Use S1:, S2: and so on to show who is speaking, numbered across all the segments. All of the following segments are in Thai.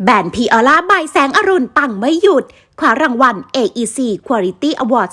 S1: แบรนด์พีออร่าใบแสงอรุณปังไม่หยุดคว้ารางวัล AEC Quality Award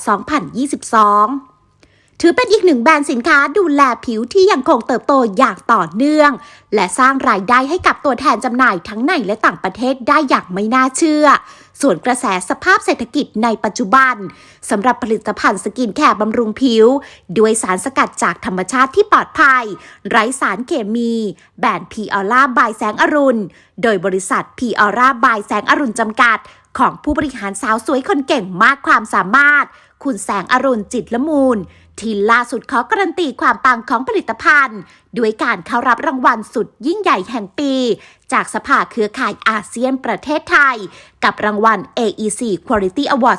S1: 2022 ถือเป็นอีกหนึ่งแบรนด์สินค้าดูแลผิวที่ยังคงเติบโตอย่างต่อเนื่องและสร้างรายได้ให้กับตัวแทนจำหน่ายทั้งในและต่างประเทศได้อย่างไม่น่าเชื่อส่วนกระแสสภาพเศรษฐกิจในปัจจุบันสำหรับผลิตภัณฑ์สกินแคร์บำรุงผิวด้วยสารสกัดจากธรรมชาติที่ปลอดภัยไร้สารเคมีแบรนด์พีออร่าบายแสงอรุณโดยบริษัทพีออร่าบายแสงอรุณจำกัดของผู้บริหารสาวสวยคนเก่งมากความสามารถคุณแสงอรุณจิตละมูลที่ล่าสุดขอการันตีความปังของผลิตภัณฑ์ด้วยการเข้ารับรางวัลสุดยิ่งใหญ่แห่งปีจากสภาเครือข่ายอาเซียนประเทศไทยกับรางวัล AEC Quality Award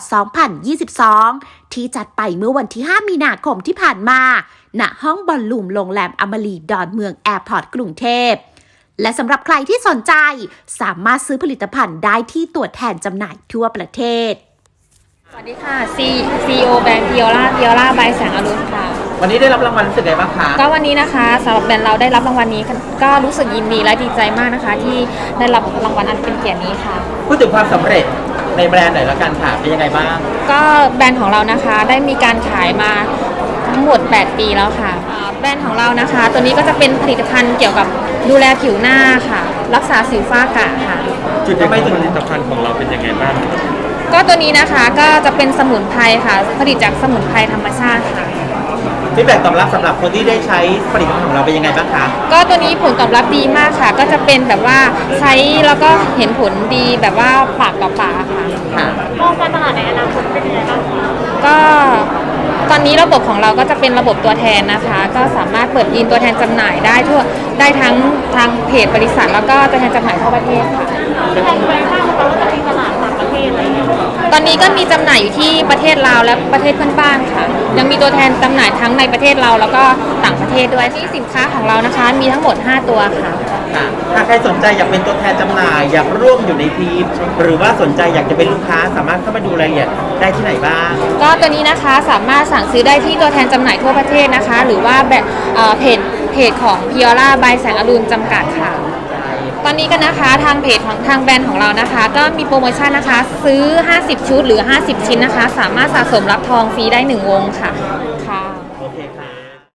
S1: 2022 ที่จัดไปเมื่อวันที่ 5 มีนาคมที่ผ่านมาณห้องบอลลูมโรงแรมอมรีดอนเมืองแอร์พอร์ตกรุงเทพและสำหรับใครที่สนใจสามารถซื้อผลิตภัณฑ์ได้ที่ตัวแทนจำหน่ายทั่วประเทศ
S2: สวัสดีค่ะ CEO แบรนด์พีออร่าใบแสงอรุณค่ะ
S3: วันนี้ได้รับรางวัลรู้สึกไงบ้างคะ
S2: ก็วันนี้นะคะสำหรับแบรนด์เราได้รับรางวัลนี้ก็รู้สึกยินดีและดีใจมากนะคะที่ได้รับรางวัลอันเป็นเกียรตินี้ค่ะ
S3: พูดถึงความสำเร็จในแบรนด์หน่อยละกันค่ะเป็นยังไงบ้าง
S2: ก็แบรนด์ของเรานะคะได้มีการขายมาทั้งหมด8 ปีแล้วค่ะแบรนด์ของเรานะคะตัวนี้ก็จะเป็นผลิตภัณฑ์เกี่ยวกับดูแลผิวหน้าค่ะรักษาสิวฝ้ากระค่ะ
S3: จุดทำไมถึงผลิตภัณฑ์ของเราเป็นยังไงบ้าง
S2: ก็ตัวนี้นะคะก็จะเป็นสมุนไพรค่ะผลิตจากสมุนไพรธรรมชาติค่ะ
S3: ฟีดแบ็กตอบรับสำหรับคนที่ได้ใช้ผลิตภัณฑ์ของเราเป็นยังไงบ้างคะ
S2: ก็ตัวนี้ผลตอบรับดีมากค่ะก็จะเป็นแบบว่าใช้แล้วก็เห็นผลดีแบบว่าปากต่อปากค่ะ
S4: มองการตลาดในอนาคตเป็นยังไงบ้างคะ
S2: ก็ตอนนี้ระบบของเราก็จะเป็นระบบตัวแทนนะคะก็สามารถเปิดยินตัวแทนจำหน่ายได้ทั้งทางเพจบริษัทแล้วก็ตัวแทนจำหน่ายทั่วประเทศค่ะ
S4: แทนไปบ้างไหมว่าจะมีตลาดต่างประเทศอะไรอย่างเงี้ย
S2: ตอนนี้ก็มีจำหน่ายอยู่ที่ประเทศลาวและประเทศเพื่อนบ้านค่ะยังมีตัวแทนจำหน่ายทั้งในประเทศเราแล้วก็ต่างประเทศด้วยที่สินค้าของเรานะคะมีทั้งหมด5ตัวค่ะ
S3: ถ้าใครสนใจอยากเป็นตัวแทนจำหน่ายอยากร่วมอยู่ในทีมหรือว่าสนใจอยากจะเป็นลูกค้าสามารถเข้ามาดูรายละเอียดได้ที่ไหนบ้าง
S2: ก็ตัวนี้นะคะสามารถสั่งซื้อได้ที่ตัวแทนจำหน่ายทั่วประเทศนะคะหรือว่าแบบเพจของพีออร่าใบแสงอรุณจำกัดค่ะตอนนี้กันนะคะทางเพจของทางแบรนด์ของเรานะคะก็มีโปรโมชั่นนะคะซื้อ50ชุดหรือ50ชิ้นนะคะสามารถสะสมรับทองฟรีได้1 วงค่ะ